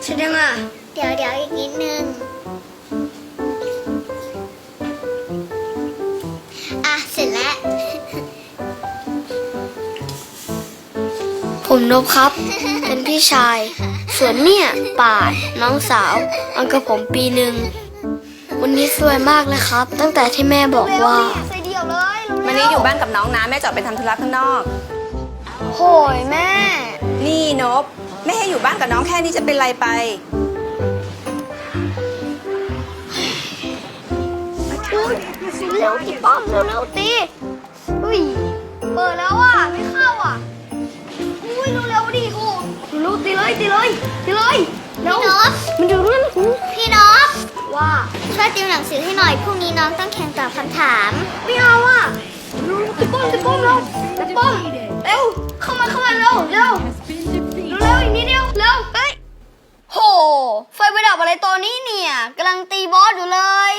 ร็จยังอ่ะเดี๋ยวอีกนิดนึงเสร็จแล้วผมนบครับ เป็นพี่ชาย ส่วนเนี่ยป่านน้องสาวอันกับผมปีหนึ่งวันนี้สวยมากเลยครับ ตั้งแต่ที่แม่บอกว่าวันนี้อยู่บ้านกับน้องนะแม่จะออกไปทำธุระข้างนอกโหยแม่นี่นบแม่ให้อยู่บ้านกับน้องแค่นี้จะเป็นไรไปเร็วตีป้อมเร็วตีอุ้ยเปิดแล้วอ่ะไม่เข้าอ่ะอุ้ยเร็วดิโหเร็วตีเลยเร็วพี่นพมันอยู่นั่นพี่นพว่าช่วยติวหนังสือให้หน่อยพรุ่งนี้น้องต้องแข่งตอบคำถามไม่เอาอ่ะตีป้อมเร็วตีป้อมเร็วเข้ามาเร็วอีกนิดเดียวเร็วเฮ้ยโหไฟไปดับอะไรตอนนี้เนี่ยกำลังตีบอสอยู่เลย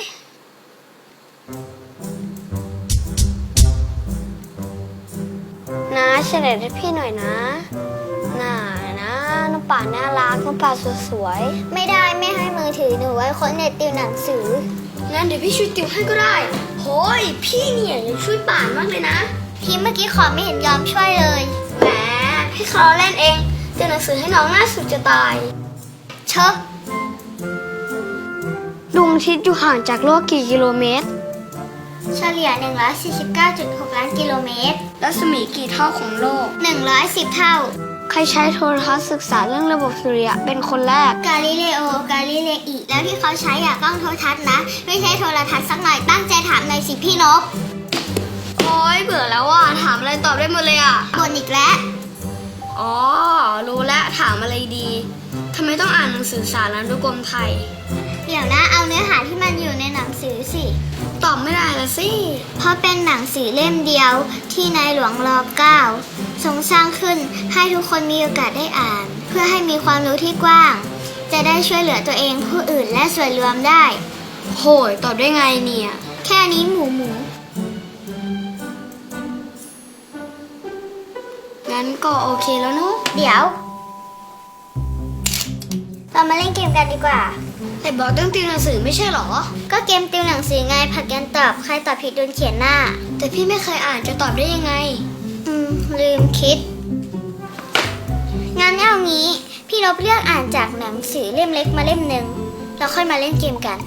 นะเฉลยให้พี่หน่อยนะน่านะน้องป่าน่ารักน้องป่าสวยๆไม่ได้ไม่ให้มือถือหนูไว้ค้นเน็ตติวหนังสืองั้นเดี๋ยวพี่ช่วยติวให้ก็ได้โหยพี่เนี่ยยังช่วยป่านมากเลยนะพี่เมื่อกี้ขอไม่เห็นยอมช่วยเลยแหมพี่เขาเล่นเองติวหนังสือให้น้องน่าสุดจะตายเชอะดวงอาทิตย์อยู่ห่างจากโลกกี่กิโลเมตรเฉลี่ย 149.6 ล้านกิโลเมตรรัศมีกี่เท่าของโลก 110 เท่าใครใช้โทรทัศน์ศึกษาเรื่องระบบสุริยะเป็นคนแรกกาลิเลโอกาลิเลอีแล้วที่เขาใช้กล้องโทรทัศน์นะไม่ใช่โทรทัศน์สักหน่อยตั้งใจถามหน่อยสิพี่นพโอ๊ยเบื่อแล้วอ่ะถามอะไรตอบได้หมดเลยอ่ะบ่นอีกแล้วอ๋อรู้แล้วถามอะไรดีทำไมต้องอ่านหนังสือสารานุกรมไทยเดี๋ยวนะเอาเนื้อหาที่มันอยู่ในหนังสือสิตอบไม่ได้ละสิเพราะเป็นหนังสือเล่มเดียวที่ในหลวงร.9 ทรงสร้างขึ้นให้ทุกคนมีโอกาสได้อ่านเพื่อให้มีความรู้ที่กว้างจะได้ช่วยเหลือตัวเองผู้อื่นและส่วนรวมได้โหยตอบได้ไงเนี่ยแค่นี้หมูงั้นก็โอเคแล้วนุ๊กเดี๋ยวเรามาเล่นเกมกันดีกว่าแต่บอกต้องติวหนังสือไม่ใช่หรอก็เกมติวหนังสือไงผัดกันตอบใครตอบผิดโดนเขียนหน้าแต่พี่ไม่เคยอ่านจะตอบได้ยังไงลืมคิดงั้นเอางี้พี่นพเลือกอ่านจากหนังสือเล่มเล็กมาเล่มหนึ่งแล้วค่อยมาเล่นเกมกัน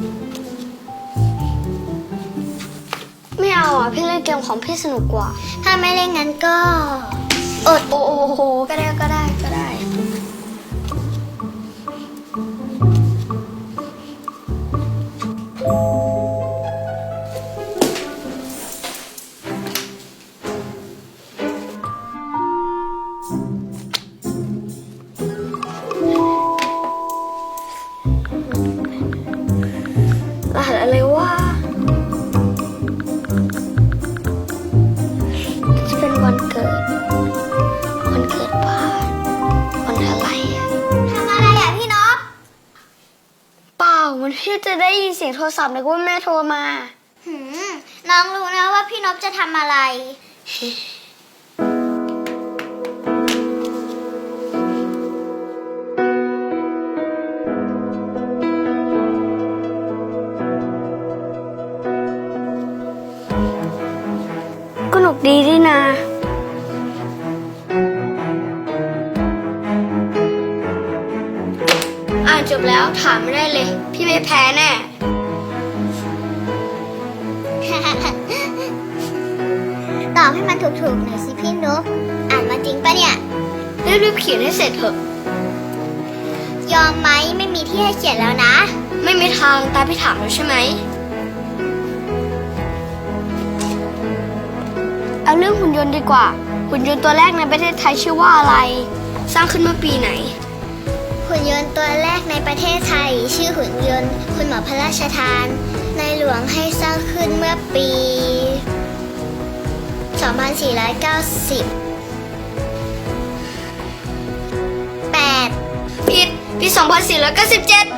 ไม่เอาอ่ะพี่เล่นเกมของพี่สนุกกว่าถ้าไม่เล่นงั้นก็อดโอ้โหก็ได้รหัสอะไรวะจะเป็นวันเกิดบ้านวันอะไรอ่ะทำอะไรอ่ะพี่นพเปล่ามันพี่จะได้ยินเสียงโทรศัพท์เลยว่าแม่โทรมาน้องรู้นะว่าพี่นพจะทำอะไรก็หนุกดีดินะอ่านจบแล้วถามไม่ได้เลยพี่ไม่แพ้แน่ตอบให้มันถูกๆหน่อยสิพี่นพอ่านมาจริงปะเนี่ยรีบเขียนให้เสร็จเถอะยอมไหมไม่มีที่ให้เขียนแล้วนะไม่มีทางตามพี่ถามแล้วใช่ไหมเอาเรื่องหุ่นยนต์ดีกว่าหุ่นยนต์ตัวแรกในประเทศไทยชื่อว่าอะไรสร้างขึ้นเมื่อปีไหนหุ่นยนต์ตัวแรกในประเทศไทยชื่อหุ่นยนต์คุณหมอพระราชทานในหลวงให้สร้างขึ้นเมื่อปี 2490 ผิดปี 2497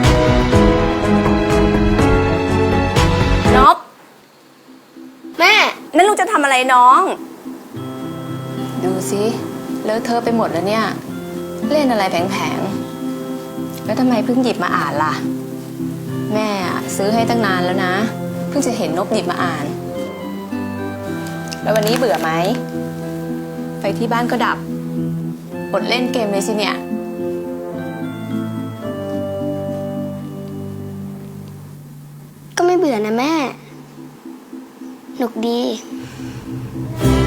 แม่นั่นลูกจะทำอะไรน้อง ดูสิเลอะเทอะไปหมดแล้วเนี่ย เล่นอะไรแผงๆแล้วทำไมเพิ่งหยิบมาอ่านล่ะ แม่ซื้อให้ตั้งนานแล้วนะ เพิ่งจะเห็นนบหยิบมาอ่าน แล้ววันนี้เบื่อไหมไฟที่บ้านก็ดับอดเล่นเกมเลยสิเนี่ยก็ไม่เบื่อนะแม่ หนุกดี 「